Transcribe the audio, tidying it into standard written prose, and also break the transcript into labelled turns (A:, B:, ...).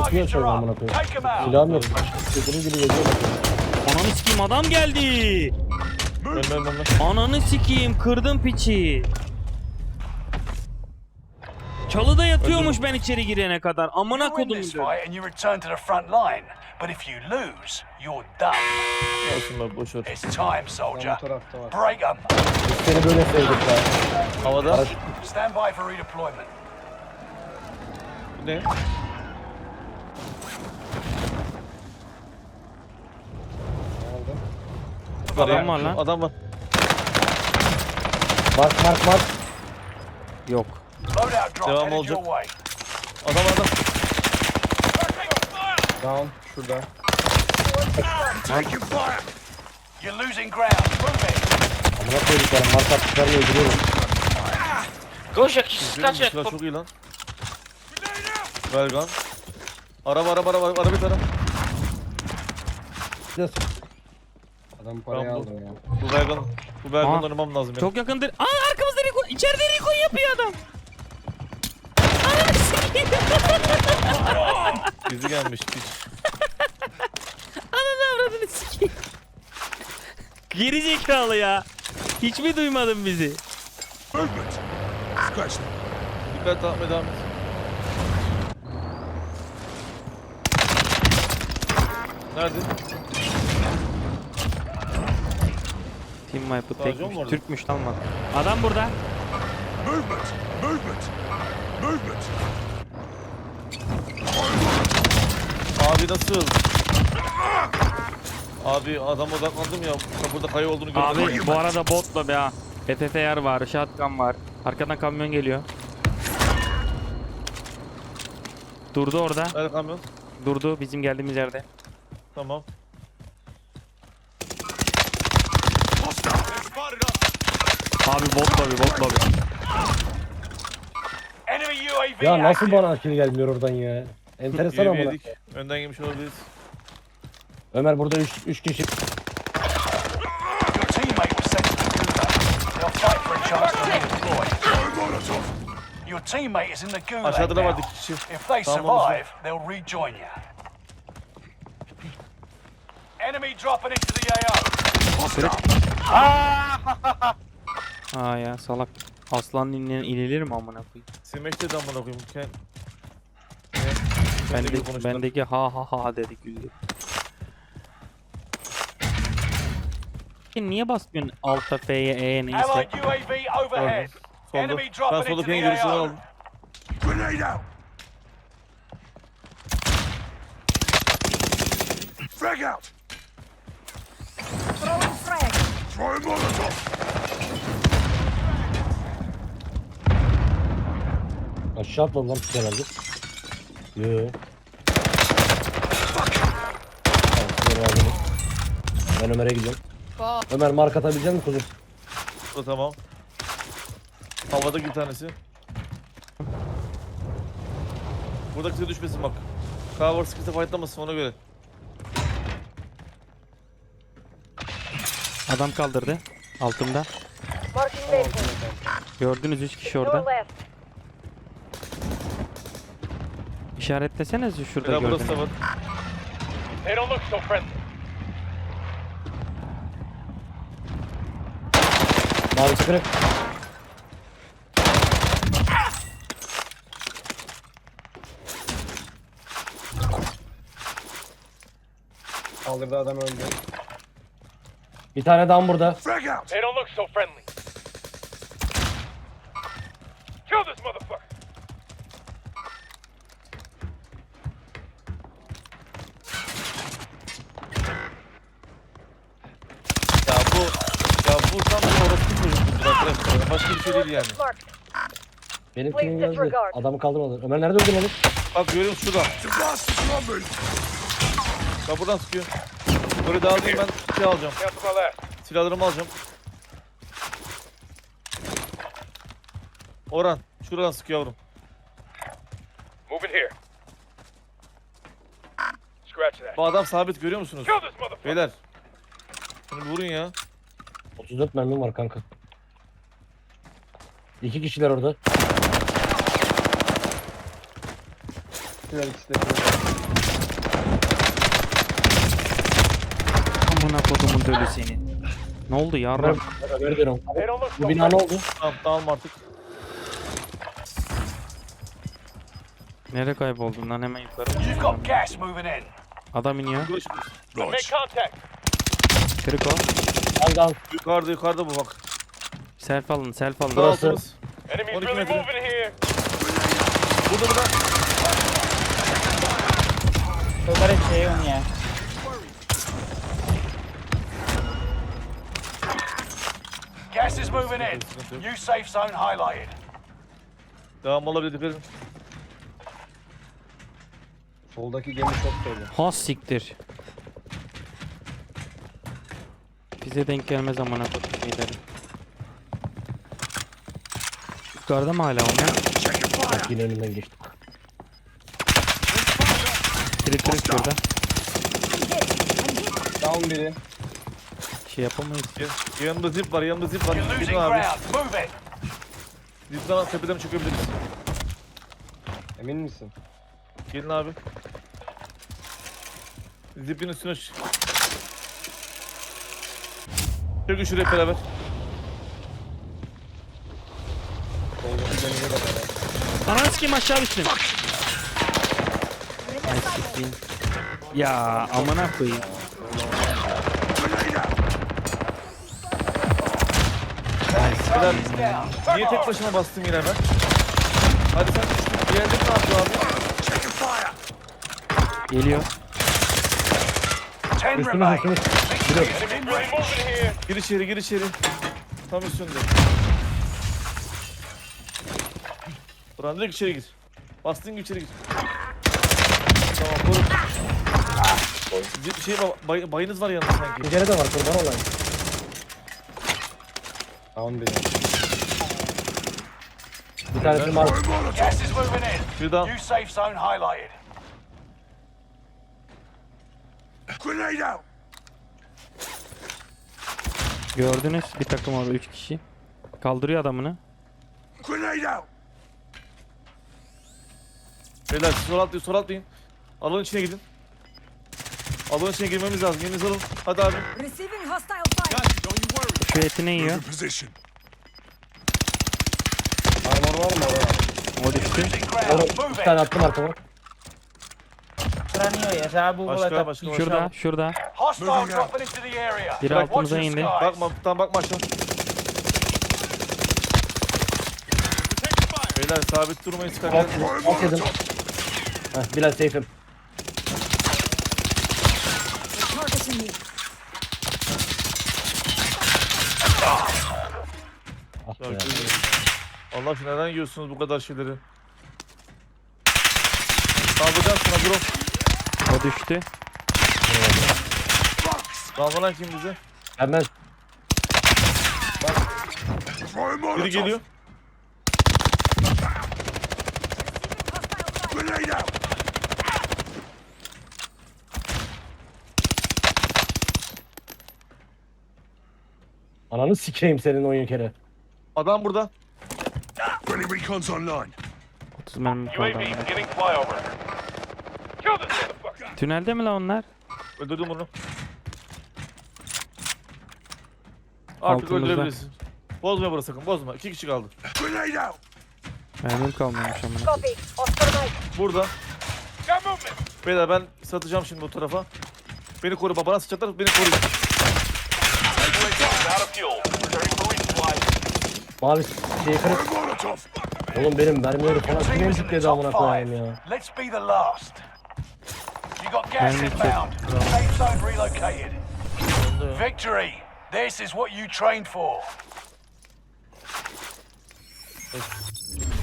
A: Kapıyı açıyorum amına koyayım. Silahım yok. Dediğim gibi geliyor.
B: Ananı sikeyim, adam geldi. Ananı sikeyim, kırdım piçi. Çalıda yatıyormuş ben içeri girene kadar. Amına
C: You win
B: kodum.
C: this fight and you return to the front line. But if you lose, you're done.
D: Olsun boş ver.
C: It's time, soldier.
E: Bu tarafta var.
C: Break 'em.
A: Biz seni böyle sevdik ya.
D: Havada.
C: Stand by for redeployment.
D: Ne?
E: Aldım.
B: Adam var lan.
D: Adam var.
A: Mark.
B: Yok.
C: Loadout drop
D: Devam
C: headed
D: olacak.
C: your way.
D: Adam.
E: Down. Şurada.
C: You're losing ground. Move it.
A: Amına koyduklarım. Mark attıklarını öldürüyorum.
F: Koş ya kişi kaç ya.
D: Silah çok iyi lan. Belgan. Araba bir tane.
A: Yes.
E: Adam parayı
D: Tamam,
E: aldı ya.
D: Bu Belgan'ı
B: Aa,
D: oynamam lazım ya.
B: Çok yakındır. Aa, arkamızda Rico. İçeride Rico yapıyor adam. Ananı sikeyim.
D: Bizi gelmiş piç.
B: Ananı avradını sikeyim. Geri zekalı ya. Hiç mi duymadın bizi?
D: Dikkat devam et. Nerede?
B: Team Wipe'ı
D: Sadece
B: tekmiş.
D: o mu orada?
B: Türkmüş lan bak. Adam burada.
D: Abi nasıl? Abi adam odaklandım ya. Burada kayı olduğunu gördüm.
B: Abi bu arada botla be ha. PTTR var, shotgun var. Arkadan kamyon geliyor. Durdu orada.
D: Nerede kamyon?
B: Durdu bizim geldiğimiz yerde.
D: Tamam.
B: Abi bot lobi.
C: Enemy UAV
A: Ya nasıl
C: active.
A: bana kill gelmiyor oradan ya? Enteresan
D: UAV
A: amına.
D: yedik. Önden yemiş olabiliriz.
A: Ömer burada 3 kişi.
C: Your teammate was sent to the gulag. They'll fight for a chance to redeploy. Your teammate is in the gulag
D: Aşağıda da
C: now.
D: vardı iki kişi.
C: If they
D: Tamam, onu
C: survive, they'll rejoin you. Enemy dropping into the AO.
B: Aa ya salak. Aslan inilir mi amına koyayım?
D: Silmek de amına koyayım.
B: Bendeki ha dedi güldü. Niye basmıyorsun Alta F'ye E neyse?
C: Allied UAV overhead.
D: Solda.
C: Enemy
D: Ben
C: dropping into
D: soldaki en
C: the
D: görüşünü
C: AO.
D: aldım.
A: Aşağı atladı lan pis herhalde. Yoo. Tamam, aldım. Ben Ömer'e gidiyorum. Ömer mark atabilecek misin kuzum?
D: Bu tamam. Havada bir tanesi. Buradaki size düşmesin bak. Cover sıkıntı fightlamasın ona göre.
B: Adam kaldırdı. Altımda.
G: Marking vehicle.
B: Gördünüz 3 kişi
G: To the
B: orada.
G: left.
B: İşaretleseniz şurada
D: Bela burası da
B: gördüğünüz.
D: var.
C: They don't look so friendly.
A: Mavisi kırık.
E: Kaldırdı adam öldü.
A: Bir tane daha burada.
C: They don't look so friendly. Kill this motherfucker.
D: Bu tam bir orospu çocukluğudur arkadaşlar. Başka bir şey değil yani.
G: Marked.
A: Benim
G: Please
A: kimim geldi.
G: disregard.
A: Adamı kaldırmadı. Ömer nerede öldün oğlum?
D: Bak görüyor musun şurada? Bak buradan sıkıyor. Böyle dağılayım ben şey alacağım. Silahlarımı alacağım. Orhan şuradan sıkıyor yavrum.
C: Moving here. Scratch that.
D: Bu adam sabit görüyor musunuz?
C: Kill this motherfucker.
D: Beyler. Şunu vurun ya.
A: 34 mermim var kanka. 2 kişiler orada.
E: Şurada ikisi de şurada.
B: Amına kodumun dölü seni. Ne oldu yarram?
A: Ömer diyorum. Bu bina ne oldu?
D: Tamam tamam artık.
B: Nereye kayboldun lan, hemen yukarı mı?
C: You've got gas moving in.
B: Adam iniyor.
D: Görüşürüz.
B: Kırık o.
A: Al.
D: Yukarıda bu bak.
B: Self alın, self alın.
A: Burası.
D: Altımız. 12 metre. Burada.
G: Yukarı şey on ya.
C: Gas is moving in. New safe zone highlighted.
D: Devam olabilir, dikkat edin.
E: Soldaki gemi çok dolu.
B: Ha siktir. Bize denk gelmez amına kodum şeyleri. Yukarıda mı hala onlar?
A: Bak yine önünden geçtim.
B: Kırık şurada.
E: Down biri.
B: Şey yapamayız.
D: Yanımda zip var.
C: You're
D: Gidin
C: losing
D: abi.
C: ground. Move it.
D: Zipten tepeden çökebiliriz.
E: Emin misin?
D: Gelin abi. Zipin üstüne çökün şuraya hep beraber.
E: Soldaki gemiye de beraber.
B: Ananı sikeyim, aşağı düştüm. Ay sikeyim. Ya amına koyayım.
D: Beyler, niye tek başıma bastım yine ben? Hadi sen diğerleri ne yapıyor abi?
B: Geliyor.
C: 10
A: Üstüne
C: remain.
A: üstüne.
C: Victory is within range.
D: Gir içeri. Tam üstünde. Buran direkt içeri gir. Bastığın gibi içeri gir. Tamam koru. Bayınız var yanında sanki.
A: Bir kere de var kurban olayım.
E: Down biri.
A: Bir tanesi var.
C: Gas is moving in.
D: Bir daha.
C: New safe zone highlighted.
B: Gördünüz, bir takım orada 3 kişi. Kaldırıyor adamını.
D: Beyler sol atlayın. Alanın içine gidin. Alanın içine girmemiz lazım. Yerinizi alın. Hadi abi.
H: Receiving hostile fire.
B: Şu etini yiyor.
E: Armor var mı oraya?
B: O düştü.
C: Losing ground.
A: Oğlum
C: Move
A: bir
C: it.
A: tane attım arkama.
G: Tranio ya, sabu
D: Başka.
B: Şurada.
C: Hostile dropping into the area.
B: Biri
C: Watch
B: altımıza
C: the
B: indi.
C: skies.
D: Bakma aşağı. Beyler sabit durmayın sıkarken.
A: Alt yedim. Heh, Bilal safe'im.
H: Targeting me.
A: Ah
D: Ya,
A: be.
D: Allah aşkına neden yiyorsunuz bu kadar şeyleri? Saldıracağım sana bro.
B: O düştü.
D: Dalgalan kim bize?
A: Hemen
D: Biri geliyor.
A: ananı sikeyim senin oyun kere.
D: Adam burada.
B: 30 mermi kaldı. Tünelde mi lan onlar?
D: Öldürdüm onu. Artık
B: Altımızda.
D: öldürebilirsin. Bozma burası sakın bozma. 2 kişi kaldı.
B: Mermim kalmamış amına.
H: Copy. Oscar Mike.
D: Burada. Beyler ben satacağım şimdi bu tarafa. Beni koru babana sıçacaklar beni koruyun.
A: Mavi şeyi kırık. Oğlum benim mermileri falan
C: Team
A: kim
C: is in the
A: emzikledi
C: top
A: amına koyayım
C: 5.
A: ya.
C: Let's be the last. You got gas
B: Mermi
C: inbound. Safe zone relocated. Victory. This is what you trained for.